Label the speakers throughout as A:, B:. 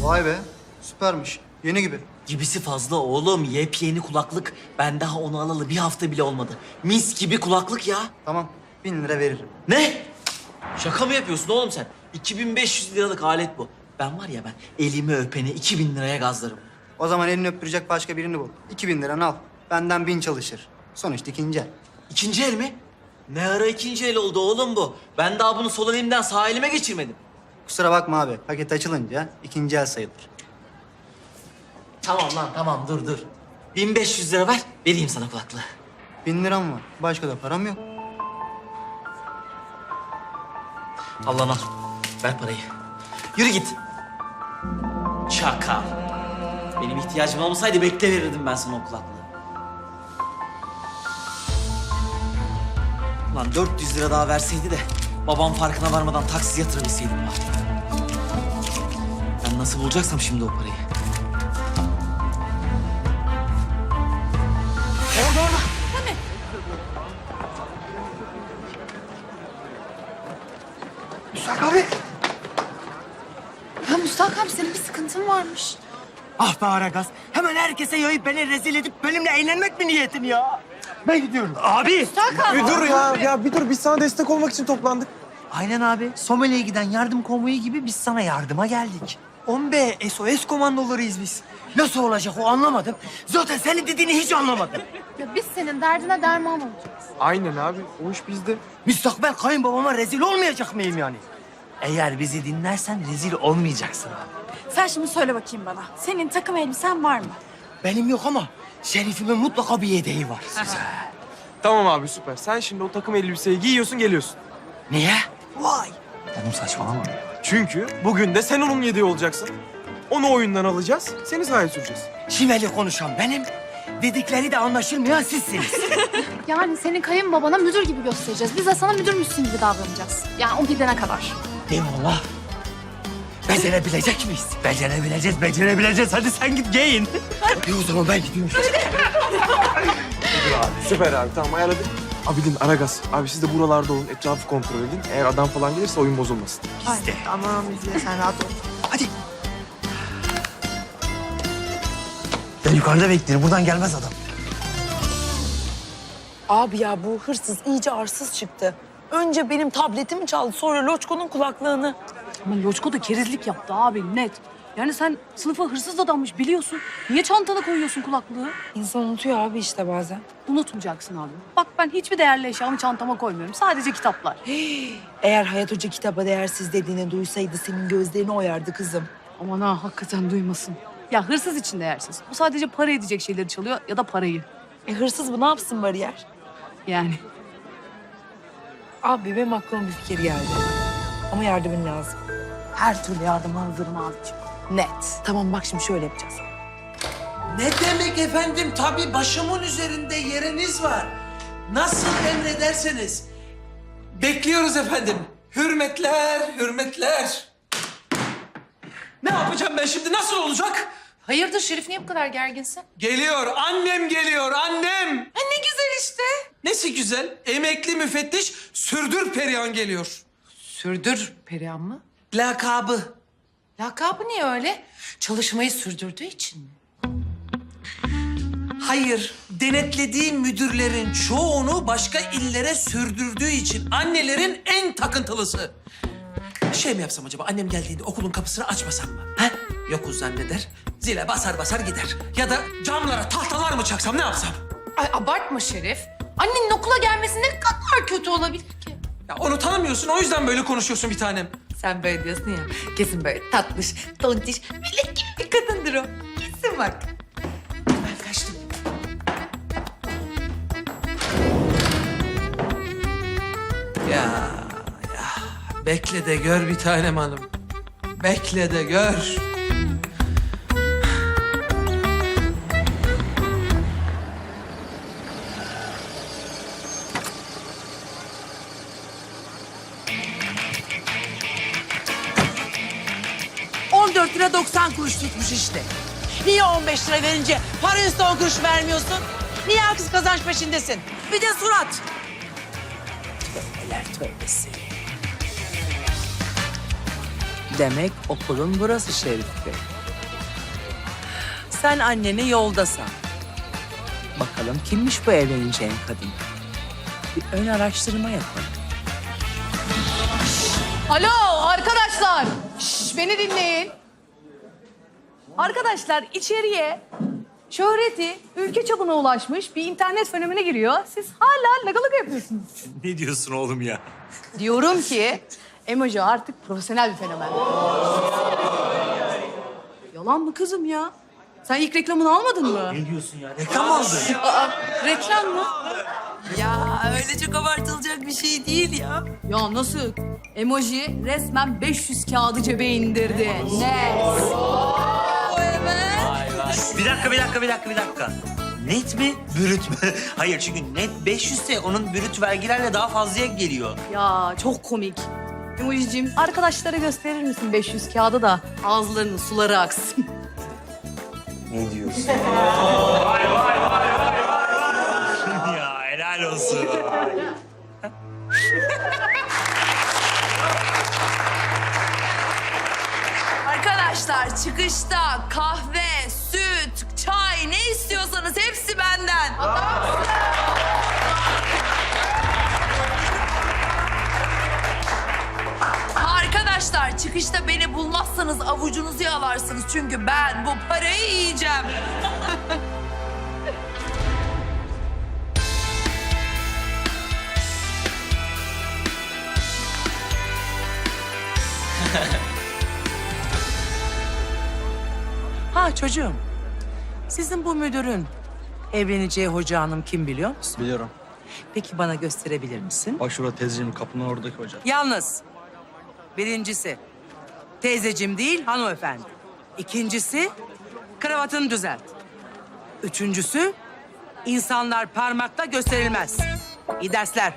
A: Vay be, süpermiş. Yeni gibi.
B: Gibisi fazla oğlum. Yepyeni kulaklık. Ben daha onu alalı bir hafta bile olmadı. Mis gibi kulaklık ya.
A: Tamam, 1.000 lira veririm.
B: Ne? Şaka mı yapıyorsun oğlum sen? 2500 liralık alet bu. Ben var ya ben elimi öpeni 2000 liraya gazlarım.
A: O zaman elini öptürecek başka birini bul. 2.000 liranı al. Benden 1000 çalışır. Sonuçta ikinci el.
B: İkinci el mi? Ne ara ikinci el oldu oğlum bu? Ben daha bunu sol elimden sağ elime geçirmedim.
A: Kusura bakma abi, paket açılınca ikinci el sayılır.
B: Tamam lan tamam dur. 1500 lira ver, vereyim sana kulaklığı.
A: 1000 liram var. Başka da param yok.
B: Al lan al. Ver parayı. Yürü git. Çakal. Benim ihtiyacım olmasaydı bekle verirdim ben sana o kulaklığı. Ulan 400 lira daha verseydi de babam farkına varmadan taksi yatırabilseydim bari. Ben nasıl bulacaksam şimdi o parayı. Orada.
A: Müsak abi.
C: Ya Müstak abi senin bir sıkıntın varmış.
D: Ah be Aragaz. Hemen herkese yayıp beni rezil edip benimle eğlenmek mi niyetin ya? Ben gidiyorum. Abi.
C: Müstak abi.
E: Bir dur ya. Ya bir dur. Biz sana destek olmak için toplandık.
D: Aynen abi. Somali'ye giden yardım konvoyu gibi biz sana yardıma geldik. 10B SOS komandolarıyız biz. Nasıl olacak o anlamadım. Zaten senin dediğini hiç anlamadım.
C: Ya biz senin derdine derman olacağız.
E: Aynen abi. O iş bizde.
D: Müstakbel kayınbabama rezil olmayacak mıyım yani? Eğer bizi dinlersen rezil olmayacaksın abi.
F: Sen şimdi söyle bakayım bana. Senin takım elbisen var mı?
D: Benim yok ama Şerif'imin mutlaka bir yedeği var.
E: Tamam abi süper. Sen şimdi o takım elbiseyi giyiyorsun geliyorsun.
D: Niye? Vay. Oğlum saçmalama.
E: Çünkü bugün de sen onun yedeği olacaksın. Onu oyundan alacağız. Seni sahaya süreceğiz.
D: Şiveli konuşan benim. Dedikleri de anlaşılmayan sizsiniz.
C: Yani senin kayınbabana müdür gibi göstereceğiz. Biz de sana müdürmüşsün gibi davranacağız. Yani o gidene kadar.
D: Eyvallah. Becerebilecek miyiz? Becerebileceğiz. Hadi sen git giyin. İyi o zaman ben gidiyorum.
E: Süper abi tamam ayarladık. Abidin, Aragaz. Abi siz de buralarda olun. Etrafı kontrol edin. Eğer adam falan gelirse oyun bozulmasın.
D: İşte. Tamam izle sen rahat ol. Hadi. Ben yukarıda beklerim. Buradan gelmez adam.
G: Abi ya bu hırsız iyice arsız çıktı. Önce benim tabletimi çaldı, sonra Loçko'nun kulaklığını.
H: Ama Loçko da kerizlik yaptı abi net. Yani sen sınıfa hırsız adammış biliyorsun. Niye çantana koyuyorsun kulaklığı?
G: İnsan unutuyor abi işte bazen.
H: Unutmayacaksın abi. Bak ben hiçbir değerli eşyamı çantama koymuyorum. Sadece kitaplar.
G: Eğer Hayat Hoca kitaba değersiz dediğini duysaydı senin gözlerini oyardı kızım.
H: Aman ha hakikaten duymasın. Ya hırsız için değersiz. Bu sadece para edecek şeyleri çalıyor ya da parayı.
G: Hırsız bu ne yapsın bariyer?
H: Yani.
G: Abi benim aklıma bir fikir geldi. Ama yardımın lazım.
H: Her türlü yardım alırım abiciğim. Net.
G: Tamam bak şimdi şöyle yapacağız.
I: Ne demek efendim? Tabii başımın üzerinde yeriniz var. Nasıl emrederseniz. Bekliyoruz efendim. Hürmetler, hürmetler. Ne yapacağım ben şimdi? Nasıl olacak?
F: Hayırdır Şerif niye bu kadar gerginsin?
I: Geliyor, annem geliyor, annem.
F: Ne güzel işte.
I: Nesi güzel? Emekli müfettiş Sürdür Perihan geliyor.
F: Sürdür Perihan mı?
I: Lakabı.
F: Lakabı niye öyle? Çalışmayı sürdürdüğü için mi?
I: Hayır, denetlediğim müdürlerin çoğunu başka illere sürdürdüğü için annelerin en takıntılısı. Şey mi yapsam acaba? Annem geldiğinde okulun kapısını açmasam mı? He? Yokuz zanneder. Zile basar basar gider. Ya da camlara tahtalar mı çaksam ne yapsam?
F: Ay abartma Şerif. Annenin okula gelmesi ne kadar kötü olabilir ki?
I: Ya onu tanımıyorsun o yüzden böyle konuşuyorsun bir tanem.
F: Sen böyle diyorsun ya. Kesin böyle tatlış, tontiş, melek gibi bir kadındır o. Kesin bak.
I: Ben kaçtım. Ya bekle de gör bir tanem hanım. Bekle de gör.
G: lira 90 kuruş tutmuş işte. Niye 15 lira verince para üstü 10 kuruş vermiyorsun? Niye haksız kazanç peşindesin? Bir de surat. Tövbeler tövbesi.
J: Demek okulun burası Şerif Bey.
G: Sen anneni yolda san. Bakalım kimmiş bu evleneceğin kadın? Bir ön araştırma yapalım.
H: Alo arkadaşlar. Şş, beni dinleyin. Arkadaşlar içeriye şöhreti ülke çapına ulaşmış bir internet fenomeni giriyor. Siz hala lagalık yapıyorsunuz.
I: Ne diyorsun oğlum ya?
H: Diyorum ki emoji artık profesyonel bir fenomen. Yalan mı kızım ya? Sen ilk reklamını almadın mı?
B: Ne diyorsun ya? Reklam aldın.
H: Reklam mı?
F: Ya öyle çok abartılacak bir şey değil ya.
H: Ya nasıl? Emoji resmen 500 kağıdı cebe indirdi. Ne?
J: Bir dakika. Net mi, brüt mü? Hayır çünkü net 500 ise onun brüt vergilerle daha fazlaya geliyor.
H: Ya çok komik. Emojicim arkadaşlara gösterir misin 500 kağıdı da ağızlarının suları aksın.
J: Ne diyorsun? Ya helal olsun.
F: Arkadaşlar çıkışta kahve, süt, çay ne istiyorsanız hepsi benden. Arkadaşlar çıkışta beni bulmazsanız avucunuzu yalarsınız. Çünkü ben bu parayı yiyeceğim.
G: Ha çocuğum, sizin bu müdürün evleneceği hoca hanım kim biliyor musun?
K: Biliyorum.
G: Peki bana gösterebilir misin?
K: Bak şurada teyzeciğim kapının oradaki hoca.
G: Yalnız birincisi teyzecim değil hanımefendi. İkincisi kravatını düzelt. Üçüncüsü insanlar parmakla gösterilmez. İyi dersler.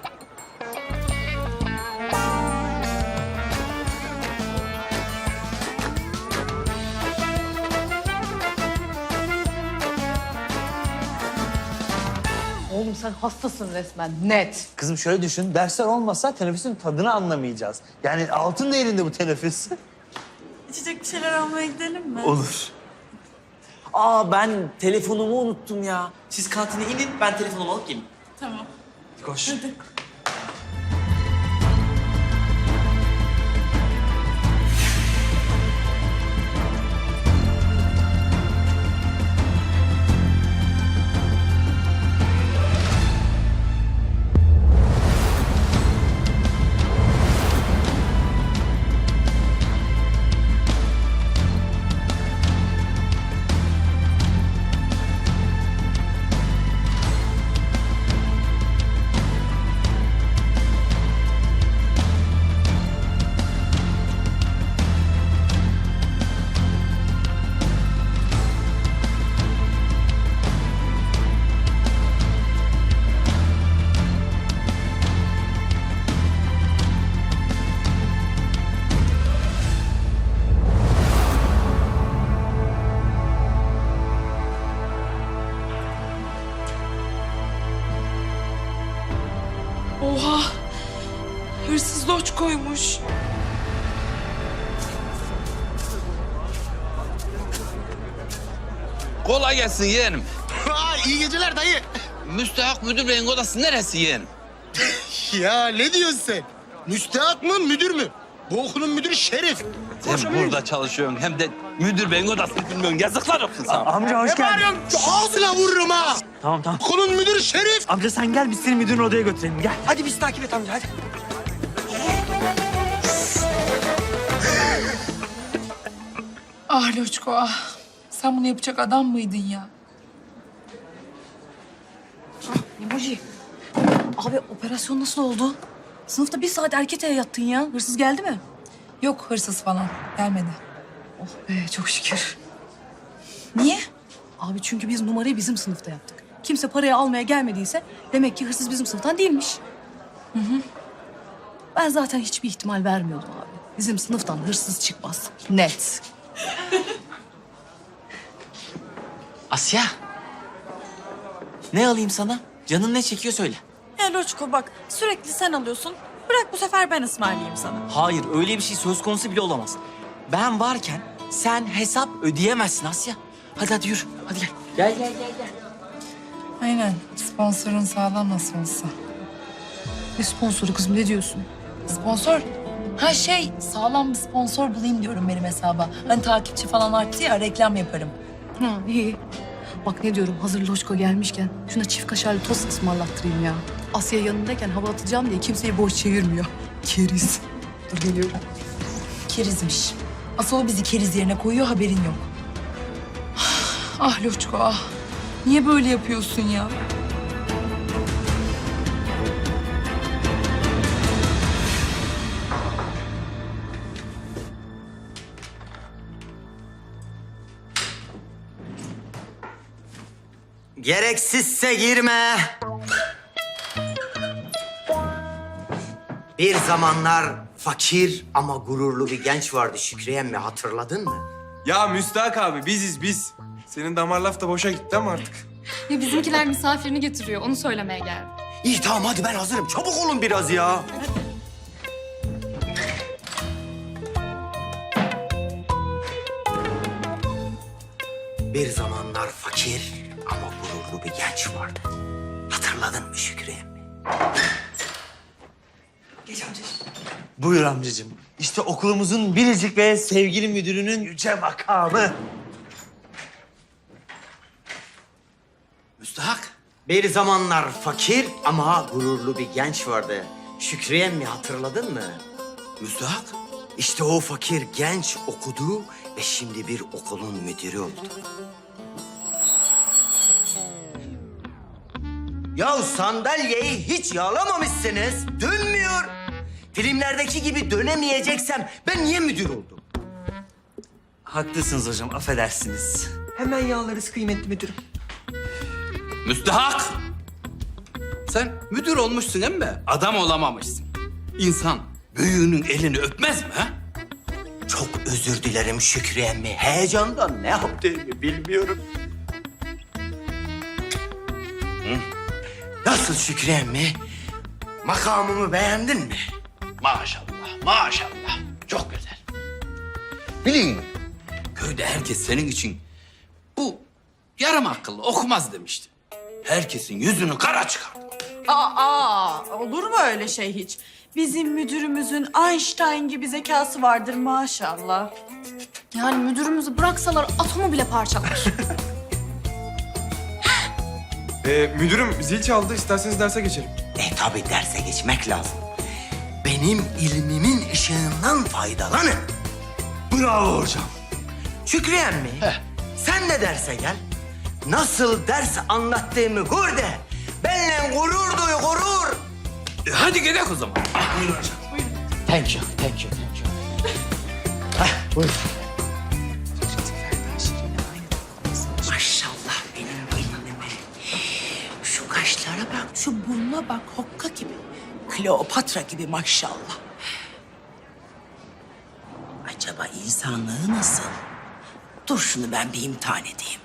H: Oğlum sen hastasın resmen net.
J: Kızım şöyle düşün, dersler olmasa teneffüsün tadını anlamayacağız. Yani altın değerinde bu teneffüs.
F: İçecek bir şeyler almaya gidelim mi?
J: Olur.
B: Aa ben telefonumu unuttum ya. Siz kantine inin ben telefonumu alıp geleyim.
F: Tamam.
B: Koş.
F: Hadi. Oha! Hırsız loç koymuş.
L: Kolay gelsin yeğenim.
M: İyi geceler dayı.
L: Müstahak müdür beyin odası neresi yeğenim?
M: Ya ne diyorsun sen? Müstahak mı müdür mü? Bu okulun müdürü Şerif.
L: Sen burada çalışıyorsun hem de müdür beyin odasını bilmiyorsun. Yazıklar olsun sana.
B: Amca hoş geldin.
M: Ağzına vururum ha.
B: Tamam.
M: Okulun müdürü Şerif.
B: Amca sen gel biz seni müdürün odaya götürelim gel.
D: Hadi bizi takip et amca hadi.
F: Ah Loçko ah. Sen bunu yapacak adam mıydın ya?
H: Emoji. Abi operasyon nasıl oldu? Sınıfta bir saat erkete yattın ya. Hırsız geldi mi?
F: Yok hırsız falan. Gelmedi.
H: Oh be çok şükür.
F: Niye?
H: Abi çünkü biz numarayı bizim sınıfta yaptık. Kimse parayı almaya gelmediyse demek ki hırsız bizim sınıftan değilmiş. Ben zaten hiçbir ihtimal vermiyordum abi. Bizim sınıftan hırsız çıkmaz. Net.
B: Asya. Ne alayım sana? Canın ne çekiyor söyle.
F: Ya Loçko bak sürekli sen alıyorsun. Bırak bu sefer ben ısmarlayayım sana.
B: Hayır öyle bir şey söz konusu bile olamaz. Ben varken sen hesap ödeyemezsin Asya.
G: Hadi yürü. Hadi gel.
B: Gel.
F: Aynen. Sponsorun sağlam nasıl olsa.
H: Ne sponsoru kızım ne diyorsun?
F: Sponsor? Ha sağlam bir sponsor bulayım diyorum benim hesaba. Hani takipçi falan arttı ya, reklam yaparım.
H: Ha iyi. Bak ne diyorum hazır Loşko gelmişken şuna çift kaşarlı tost ısmarlattırayım ya. Asya yanındayken hava atacağım diye kimseyi boş çevirmiyor. Keriz. Dur geliyorum.
F: Kerizmiş. Asıl o bizi keriz yerine koyuyor, haberin yok. Ah Loçko ah. Niye böyle yapıyorsun ya?
D: Gereksizse girme. Bir zamanlar fakir ama gururlu bir genç vardı Şükriye emmi, hatırladın mı?
E: Ya Müstahak abi biziz biz. Senin damar laf da boşa gitti ama artık.
C: Ya bizimkiler misafirini getiriyor. Onu söylemeye geldim.
D: İyi tamam hadi ben hazırım. Çabuk olun biraz ya. Bir zamanlar fakir ama gururlu bir genç vardı. Hatırladın mı Şükriye emmi?
B: Geç amcacığım. Buyur amcacığım. İşte okulumuzun biricik ve sevgili müdürünün yüce makamı.
D: Müstahak. Bir zamanlar fakir ama gururlu bir genç vardı. Şükriye emmi hatırladın mı? Müstahak. İşte o fakir genç okudu ve şimdi bir okulun müdürü oldu. Ya sandalyeyi hiç yağlamamışsınız. Dönmüyor. Filmlerdeki gibi dönemeyeceksem ben niye müdür oldum?
B: Haklısınız hocam, affedersiniz.
D: Hemen yağlarız kıymetli müdürüm.
L: Müstahak! Sen müdür olmuşsun emmi, adam olamamışsın. İnsan büyüğünün elini öpmez mi ha?
D: Çok özür dilerim Şükriye emmi. Heyecandan ne yaptığımı bilmiyorum. Nasıl Şükriye emmi? Makamımı beğendin mi?
L: Maşallah, maşallah. Çok güzel. Bilin, köyde herkes senin için bu yarım akıllı okumaz demişti. Herkesin yüzünü kara çıkardı.
G: Olur mu öyle şey hiç? Bizim müdürümüzün Einstein gibi zekası vardır maşallah.
C: Yani müdürümüzü bıraksalar atomu bile parçalar.
E: Müdürüm zil çaldı. İsterseniz derse geçelim.
D: Tabii derse geçmek lazım. Benim ilmimin ışığından faydalanın.
B: Bravo hocam.
D: Şükriye emmi, sen de derse gel. Nasıl ders anlattığımı gör de benimle gurur duy, gurur.
L: Hadi gidelim o zaman.
B: Buyurun hocam.
D: Thank you.
G: Maşallah benim gelinime. Şu kaşlara bak, şu burnuna bak, hokka gibi. Kleopatra gibi maşallah. Acaba insanlığı nasıl? Dur şunu ben bir imtihan edeyim.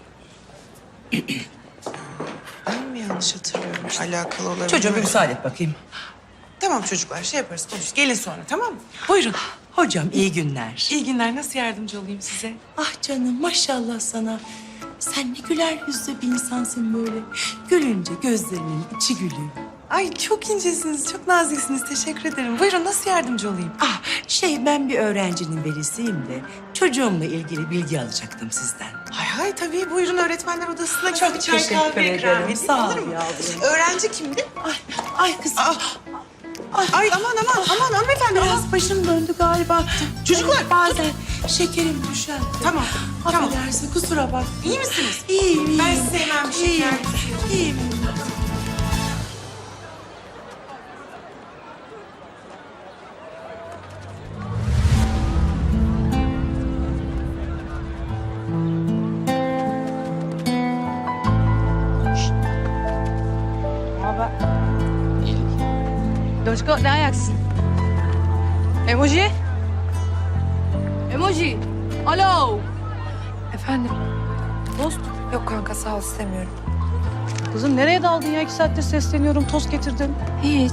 N: Ben mi yanlış hatırlıyorum? Alakalı olabilir.
G: Çocuğum bir müsaade et bakayım.
N: Tamam çocuklar şey yaparız konuş. Gelin sonra tamam mı?
G: Buyurun. Hocam iyi günler.
N: İyi günler. Nasıl yardımcı olayım size?
G: Ah canım maşallah sana. Sen ne güler yüzlü bir insansın böyle. Gülünce gözlerinin içi gülüyor.
N: Ay çok incesiniz, çok naziksiniz. Teşekkür ederim. Buyurun nasıl yardımcı olayım?
G: Ah ben bir öğrencinin velisiyim de çocuğumla ilgili bilgi alacaktım sizden.
N: Hay tabii. Buyurun öğretmenler odasına.
G: Çok
N: bir çay
G: teşekkür
N: kahve ikram
G: ederim.
N: edeyim,
G: Sağ ol
N: olur mu?
G: yavrum.
N: Öğrenci kimdi?
G: Ay kızım.
N: Ay aman hanımefendi.
G: Biraz başım döndü galiba.
N: Çocuklar,
G: bazen şekerim düşer.
N: Tamam. Tamam.
G: Affedersin kusura bak.
N: İyi misiniz?
G: İyiyim.
N: Ben size hemen bir şey
G: İyiyim.
N: yardımcı olayım.
G: İyiyim.
H: Loşko ne ayaksın? Emoji? Emoji. Alo. Efendim? Tost?
N: Yok kanka sağ ol istemiyorum.
H: Kızım nereye daldın ya? 2 saattir sesleniyorum. Tost getirdim.
N: Hiç.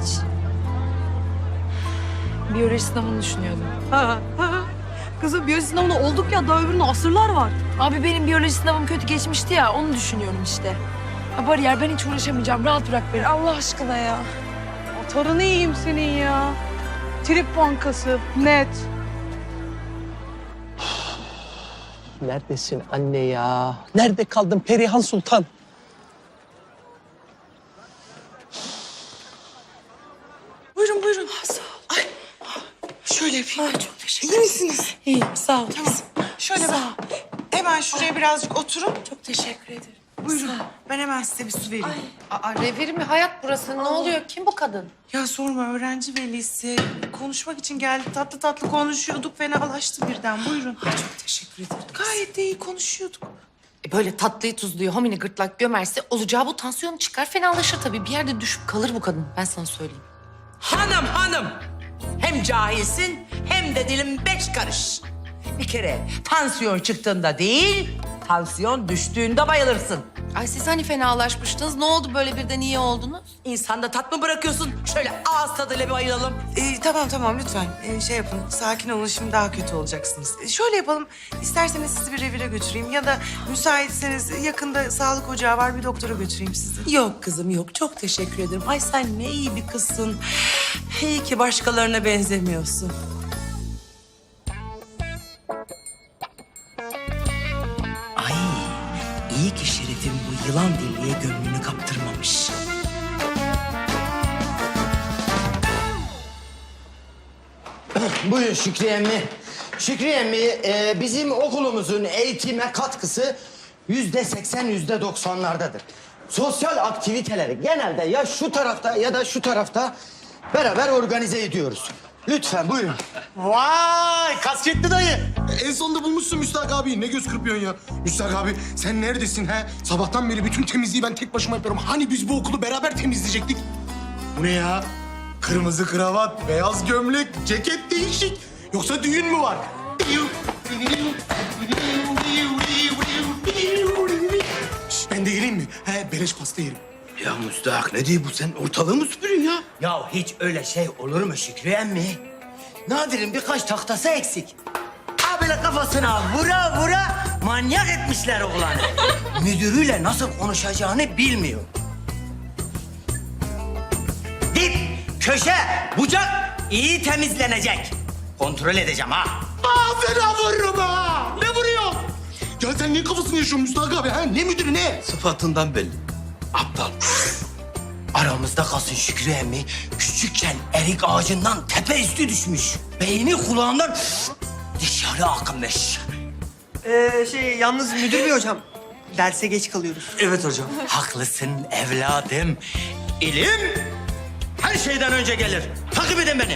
N: Biyoloji sınavını düşünüyordum.
H: Kızım biyoloji sınavında olduk ya. Daha öbürünün asırlar var.
F: Abi benim biyoloji sınavım kötü geçmişti ya, onu düşünüyorum işte. Ha, bariyer, ben hiç uğraşamayacağım. Rahat bırak beni Allah aşkına ya.
N: Motorunu yiyeyim senin ya. Trip bankası, net.
I: Neredesin anne ya? Nerede kaldın Perihan Sultan?
N: Buyurun buyurun. Sağ ol. Ay. Şöyle yapayım. Çok teşekkür ederim. İyi misiniz? İyiyim sağ ol. Tamam. Şöyle sağ ol. Hemen şuraya birazcık oturun. Çok teşekkür ederim. Buyurun. Ben hemen size bir su vereyim.
G: Aa, reviri mi hayat burası? Ne oluyor? Kim bu kadın?
N: Ya sorma öğrenci velisi. Konuşmak için geldi. Tatlı tatlı konuşuyorduk. Fenalaştı birden. Buyurun. Çok teşekkür ederim. Gayet de iyi konuşuyorduk.
G: Böyle tatlıyı tuzluyu homini gırtlak gömerse olacağı bu, tansiyonu çıkar, fenalaşır tabii. Bir yerde düşüp kalır bu kadın. Ben sana söyleyeyim. Hanım. Hem cahilsin hem de dilin 5 karış. Bir kere tansiyon çıktığında değil, tansiyon düştüğünde bayılırsın. Ay siz hani fenalaşmıştınız. Ne oldu böyle birden iyi oldunuz? İnsanda tat mı bırakıyorsun? Şöyle ağız tadıyla bir bayılalım.
N: Tamam lütfen. Şey yapın. Sakin olun. Şimdi daha kötü olacaksınız. Şöyle yapalım. İsterseniz sizi bir revire götüreyim. Ya da müsaitseniz yakında sağlık ocağı var. Bir doktora götüreyim sizi.
G: Yok kızım yok. Çok teşekkür ederim. Ay sen ne iyi bir kızsın. İyi ki başkalarına benzemiyorsun.
J: Ay, iyi ki Şeref'in bu yılan dilliye gönlünü kaptırmamış.
D: Buyurun Şükriye emmi. Şükriye emmi, bizim okulumuzun eğitime katkısı %80, %90'lardadır. Sosyal aktiviteleri genelde ya şu tarafta ya da şu tarafta beraber organize ediyoruz. Lütfen buyurun.
M: Vay kasvetli dayı. En sonunda bulmuşsun Müstahak abi. Ne göz kırpıyorsun ya? Müstahak abi sen neredesin he? Sabahtan beri bütün temizliği ben tek başıma yapıyorum. Hani biz bu okulu beraber temizleyecektik? Bu ne ya? Kırmızı kravat, beyaz gömlek, ceket değişik. Yoksa düğün mü var? Şş, ben de geleyim mi? He, beleş pasta yerim.
D: Ya Müstahak ne diyor bu? Sen ortalığı mı süpürüyorsun ya? Ya hiç öyle şey olur mu Şükriye emmi? Nadir'in birkaç tahtası eksik. Ha böyle kafasına vura vura manyak etmişler oğlanı. Müdürüyle nasıl konuşacağını bilmiyor. Dip, köşe, bucak iyi temizlenecek. Kontrol edeceğim ha.
M: Fena vururum ha! Ne vuruyor? Ya sen niye kafasını yaşıyorsun Müstahak abi? Ha? Ne müdürü ne?
L: Sıfatından belli. Aptal.
D: Aramızda kalsın Şükrü emmi. Küçükken erik ağacından tepe üstü düşmüş. Beyni kulağından dışarı akmış.
A: Yalnız müdür bey hocam. Derse geç kalıyoruz.
J: Evet hocam.
D: Haklısın evladım. İlim her şeyden önce gelir. Takip edin beni.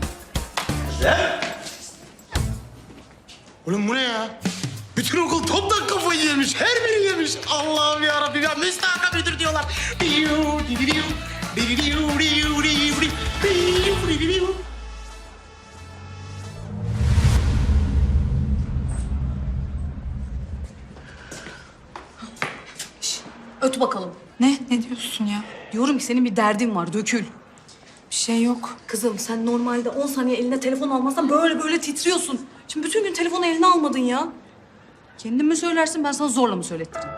M: Oğlum bu ne ya? Bütün okul toptan kafayı yemiş. Her biri yemiş. Allah'ım yarabbim ya. Müstahak müdür diyorlar.
H: Öt bakalım.
N: Ne? Ne diyorsun ya?
H: Diyorum ki senin bir derdin var, dökül.
N: Bir şey yok.
H: Kızım sen normalde 10 saniye eline telefon almazsan böyle titriyorsun. Şimdi bütün gün telefonu eline almadın ya. Kendin mi söylersin, ben sana zorla mı söylettireyim?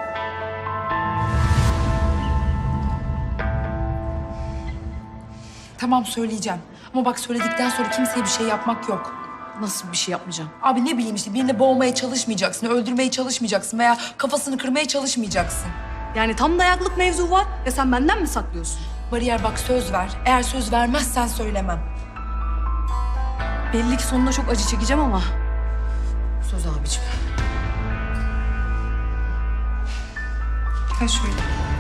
F: Tamam söyleyeceğim. Ama bak söyledikten sonra kimseye bir şey yapmak yok.
H: Nasıl bir şey yapmayacağım?
F: Abi ne bileyim işte birini boğmaya çalışmayacaksın, öldürmeye çalışmayacaksın veya kafasını kırmaya çalışmayacaksın.
H: Yani tam dayaklık mevzu var ve sen benden mi saklıyorsun?
F: Bariyer bak söz ver. Eğer söz vermezsen söylemem.
H: Belli ki sonunda çok acı çekeceğim ama. Söz abicim.
N: Ha şöyle.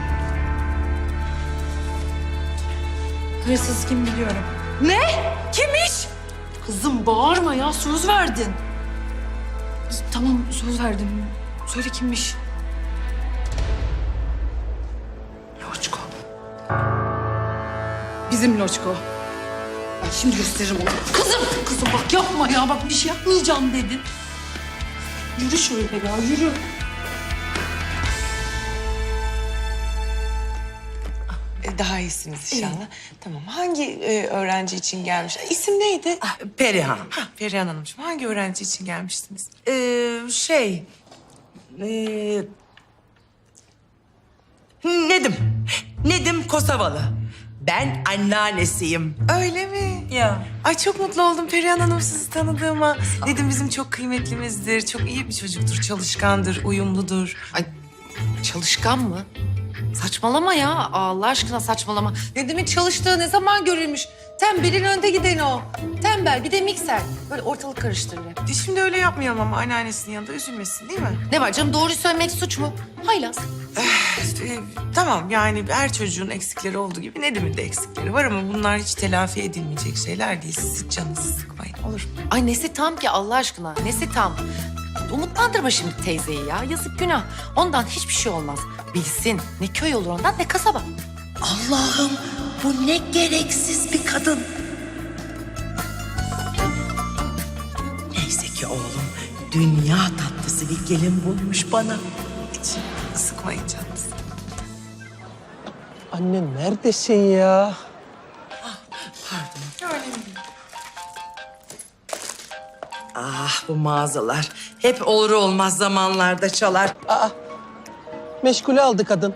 F: Hırsız kim biliyorum.
H: Ne? Kimmiş? Kızım bağırma ya, söz verdin. Tamam söz verdim. Söyle kimmiş? Loçko. Bizim Loçko. Ben şimdi gösteririm onu. Kızım bak yapma ya, bak bir şey yapmayacağım dedin. Yürü şöyle ya, yürü.
N: Daha iyisiniz inşallah. Tamam. Hangi öğrenci için gelmiş? İsim neydi?
G: Perihan.
N: Perihan Hanımcığım. Hangi öğrenci için gelmiştiniz?
G: Nedim Kosovalı. Ben anneannesiyim.
N: Öyle mi?
G: Ya.
N: Ay çok mutlu oldum Perihan Hanım sizi tanıdığıma. Nedim bizim çok kıymetlimizdir. Çok iyi bir çocuktur, çalışkandır, uyumludur.
F: Ay çalışkan mı? Saçmalama ya. Allah aşkına saçmalama.
G: Nedim'in çalıştığı ne zaman görülmüş? Tembelin önde gideni o. Tembel bir de mikser. Böyle ortalık karıştırır hep.
N: Şimdi öyle yapmayalım ama anneannesinin yanında üzülmesin değil mi?
F: Ne var canım, doğruyu söylemek suç mu? Haylaz.
N: Tamam yani her çocuğun eksikleri olduğu gibi Nedim'in de eksikleri var ama bunlar hiç telafi edilmeyecek şeyler değil. Siz hiç canınızı sıkmayın olur mu?
F: Ay nesi tam ki Allah aşkına? Nesi tam? Umutlandırma şimdi teyzeyi ya. Yazık günah. Ondan hiçbir şey olmaz. Bilsin. Ne köy olur ondan ne kasaba.
G: Allah'ım bu ne gereksiz bir kadın. Neyse ki oğlum dünya tatlısı bir gelin bulmuş bana.
N: Hiç sıkmayın canınızı.
I: Anne neredesin ya?
G: Ah bu mağazalar hep olur olmaz zamanlarda çalar.
I: Meşgule aldı kadın.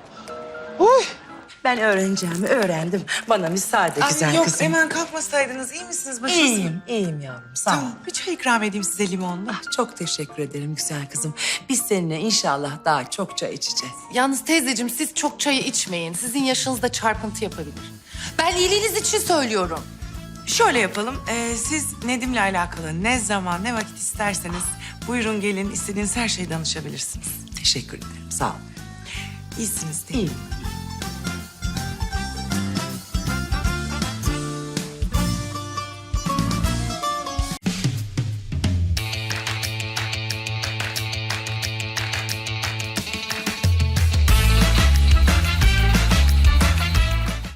G: Ben öğreneceğimi öğrendim. Bana müsaade güzel
N: Ay yok
G: kızım.
N: hemen kalkmasaydınız iyi misiniz? Başınız
G: İyiyim yavrum sağ ol.
N: Tamam bir çay ikram edeyim size limonlu.
G: Ah, çok teşekkür ederim güzel kızım. Biz seninle inşallah daha çok çay içeceğiz.
F: Yalnız teyzeciğim siz çok çayı içmeyin. Sizin yaşınızda çarpıntı yapabilir. Ben iyiliğiniz için söylüyorum.
N: Şöyle yapalım. Siz Nedim'le alakalı ne zaman ne vakit isterseniz buyurun gelin istediğiniz her şeyi danışabilirsiniz.
G: Teşekkür ederim sağ ol.
N: İyisiniz değil mi?
G: İyiyim.